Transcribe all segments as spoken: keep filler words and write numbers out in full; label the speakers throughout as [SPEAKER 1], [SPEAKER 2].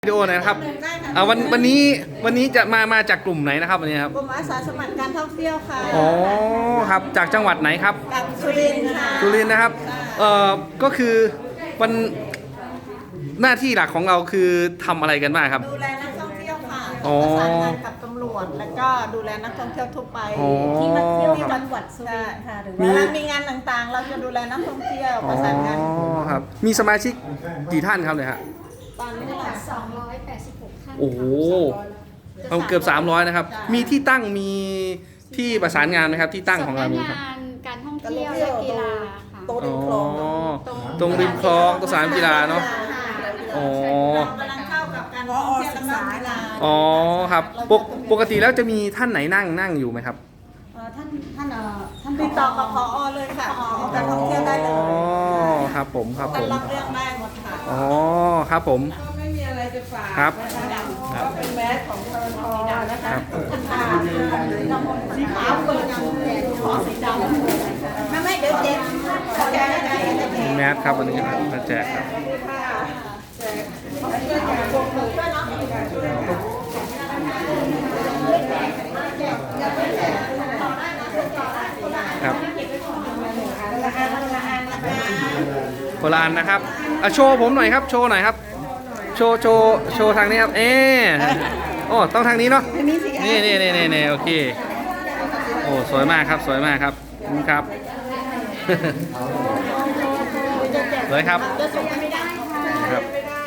[SPEAKER 1] วิดีโอหนะครับอ่าวันวันนี้วันนี้จะมามาจากกลุ่มไหนนะครับวันนี้ครับ
[SPEAKER 2] กลุ่มอาสาสมัครการท่องเที่ยวค่ะ
[SPEAKER 1] อ๋อครับจากจังหวัดไหนครับ
[SPEAKER 2] จากสุรินทร์ค่ะ
[SPEAKER 1] สุรินทร์นะครับเอ่อก็คือวันหน้าที่หลักของเราคือทำอะไรกันบ้างครับ
[SPEAKER 2] ดูแลนักท่องเที่ยวค่ะ
[SPEAKER 1] อ๋อ
[SPEAKER 2] ประสานงานกับตำรวจแล้วก็ดูแลนักท่องเที่ยวทั่วไป
[SPEAKER 1] อ๋อ
[SPEAKER 2] ที่มาเที่ยวที่จังหวัดสุรินทร์ค่ะหรือว่ามีงานต่างๆ เราจะดูแลนักท่องเที่ยวประสานงาน
[SPEAKER 1] อ๋อครับมีสมาชิกกี่ท่านครับเนี่ยฮะ
[SPEAKER 2] ตอนนี้ค่ะ
[SPEAKER 3] สองร้อยแปดสิบหกท่าน
[SPEAKER 1] โอ้โหเกือบสามร้อยนะครับมีที่ตั้งมีที่ประสานงานไหมครับที่ตั้งของเรามีครับ
[SPEAKER 3] สำนักงานการท่องเที่ยวและกีฬาค่ะ
[SPEAKER 2] โต๊ะริมคลอง
[SPEAKER 1] ตรงริมคลองตรงสนามกีฬาเนาะอ๋อ
[SPEAKER 2] กำลังเข้ากับการท่องเที่ยวและการกีฬา
[SPEAKER 1] อ๋อครับปกปกติแล้วจะมีท่านไหนนั่งนั่งอยู่ไหมครับ
[SPEAKER 2] เอ่อท่านท่านเอ่อท่านติดต่อกับผอเลยค่ะผอการท่องเที่ยวได้เลย
[SPEAKER 1] อ๋อครับผมครับผ
[SPEAKER 2] ท่าน
[SPEAKER 1] ม
[SPEAKER 2] รับเรื่องได้หมดค่ะ
[SPEAKER 1] อ๋อครับผม
[SPEAKER 4] ก็ไม่มีอะไรจะฝาก
[SPEAKER 1] ครับ
[SPEAKER 4] ก็เป็นแมสของทรทนะคะ
[SPEAKER 1] ครับ
[SPEAKER 2] สีขาวเปิดขอสีดำไม่ไม่เดี๋ยวเจ๊ขอแก้ได้ได้ได้
[SPEAKER 1] มีแมสครับวันนี้ครับมาแจกครับครับโบราณนะครับอ่ะโชว์ผมหน่อยครับโชว์หน่อยครับโชว์โชว์โชว์ทางนี้ครับเอ๊ะโอ้ต้องทางนี้เนาะนี่นี่นี่นี่นี่โอเคโอ้สวยมากครับสวยมากครับขอบคุณครับ สวยครับครับ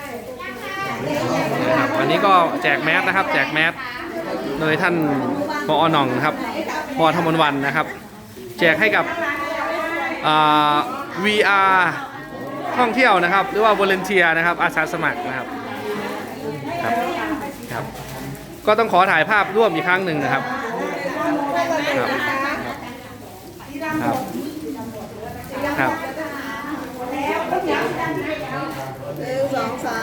[SPEAKER 1] ครับวันนี้ก็แจกแมสนะครับแจกแมสโดยท่านผอ.หน่องนะครับผอ.ธมนวันนะครับแจกให้กับอ่า วี อาร์ ท่องเที่ยวนะครับหรือว่า volunteer นะครับอาสาสมัครนะครับครับครับก็ต้องขอถ่ายภาพร่วมอีกครั้งหนึ่งนะครับครับครับครับ
[SPEAKER 2] หนึ่งสองสาม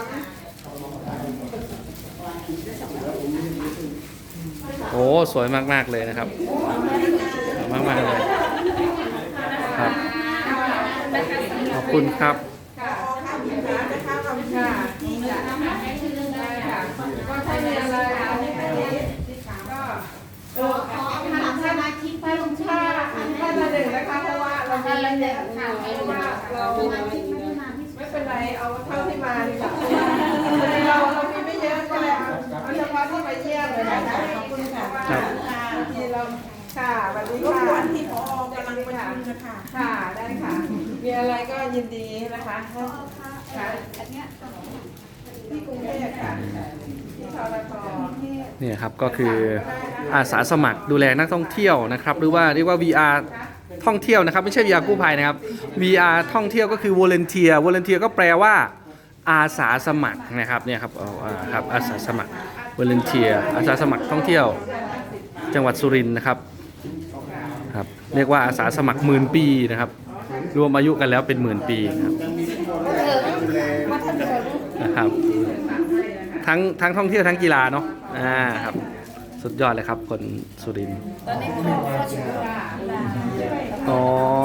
[SPEAKER 1] โอ้สวยมากๆเลยนะครับมากมากๆเลยครับขอบคุณครับ
[SPEAKER 4] ก็ถ้ามีอะไรก็เออขอทางสมาชิกไปลงชื่อท่านละหนึ่งนะคะเพราะว่าเราท่านละหนึ่งค่ะเพราะว่าเราไม่เป็นไรเอาเท่าที่มาดีกว่าเราเรามีไม่เยอะก็เลยเอาเอาเฉพาะที่มาเยี่ยมเลยนะคะขอบคุณค่ะที่เราค่ะวันนี้ค่ะวันที่พอกำลังประชุมนะคะค่ะได้ค่ะมีอะไรก็ยินดีนะคะค่ะที่กรุงเทพค่ะที่ทรท.
[SPEAKER 1] นี่ครับก็คืออาสาสมัครดูแลนักท่องเที่ยวนะครับหรือว่าเรียกว่า วี อาร์ ท่องเที่ยวนะครับไม่ใช่ วี อาร์ กู้ภัยนะครับ วี อาร์ ท่องเที่ยวก็คือ volunteer volunteer ก็แปลว่าอาสาสมัครนะครับเนี่ยครับเอาอ่าครับอาสาสมัคร volunteer อาสาสมัครท่องเที่ยวจังหวัดสุรินทร์นะครับครับเรียกว่าอาสาสมัครหมื่นปีนะครับรวมอายุกันแล้วเป็นหมื่นปีนะครับนะครับทั้งทั้งท่องเที่ยวทั้งกีฬาเนาะอ่าครับสุดยอดเลยครับคนสุรินทร์ตอนนี้ก็อ๋อ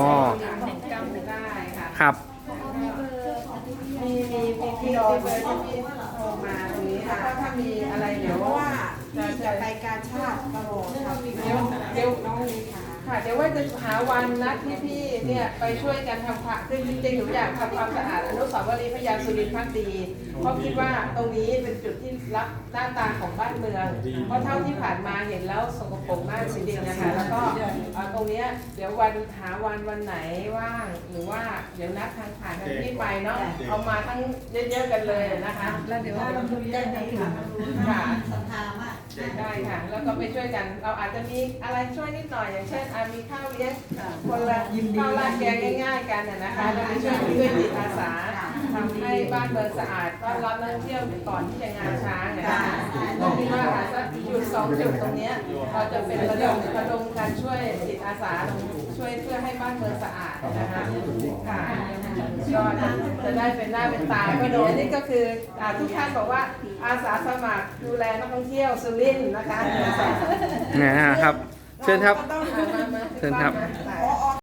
[SPEAKER 1] ครับ
[SPEAKER 4] มีมีมีพี่รอเบอร์ที่พี่โทรมาตรงนี้ค่ะถ้ามีอะไรเดี๋ยวว่าจะจะไปการชาติตลอดค่ะเดี๋ยวเดี๋ยวน้องมีค่ะค่ะเดี๋ยวว่าจะหาวันนัดที่พี่เนี่ยไปช่วยกันทำความคือจริงๆหนูอยากทำความสะอาดอนุสาวรีย์พระยาสุรินทร์พักดีเพราะคิดว่าตรงนี้เป็นจุดที่รับหน้าตาของบ้านเมืองเพราะเท่าที่ผ่านมาเห็นแล้วสกปรกมากจริงๆนะคะแล้วก็ตรงนี้เดี๋ยววันหาวันวันไหนว่างหรือว่าเดี๋ยวนัดทางผ่านทางที่ไปเนาะเอามาทั้งเยอะๆกันเลยนะคะแล้วเดี๋ยวเราดูแจ้งให้ค่ะค่ะสัมภาระได้ค่ะแล้วก็ไปช่วยกันเราอาจจะมีอะไรช่วยนิดหน่อยอย่างเช่นมีข้าวเลี้ยงคนละข้าวราดแกงง่ายๆกันนะคะเราไปช่วยด้วยจิตอาสาทำให้บ้านเมืองสะอาดต้อนรับนักท่องเที่ยวก่อนที่จะงานช้างเนี่ยเราคิดว่าอาจจะจุดสองจุดตรงนี้เราจะเป็นระดมระดมการช่วยจิตอาสาช่วยเพื่อให้บ้านเมืองสะอาดนะคะค่ะก็จะได้เป็นหน้าเป็นตาก็โดยนี่ก็คือทุกท่านบอกว่าอาสาสมัครดูแลนักท่องเที่ยวสุรินทร์นะคะ
[SPEAKER 1] นะครับเชิญครับเชิญครับ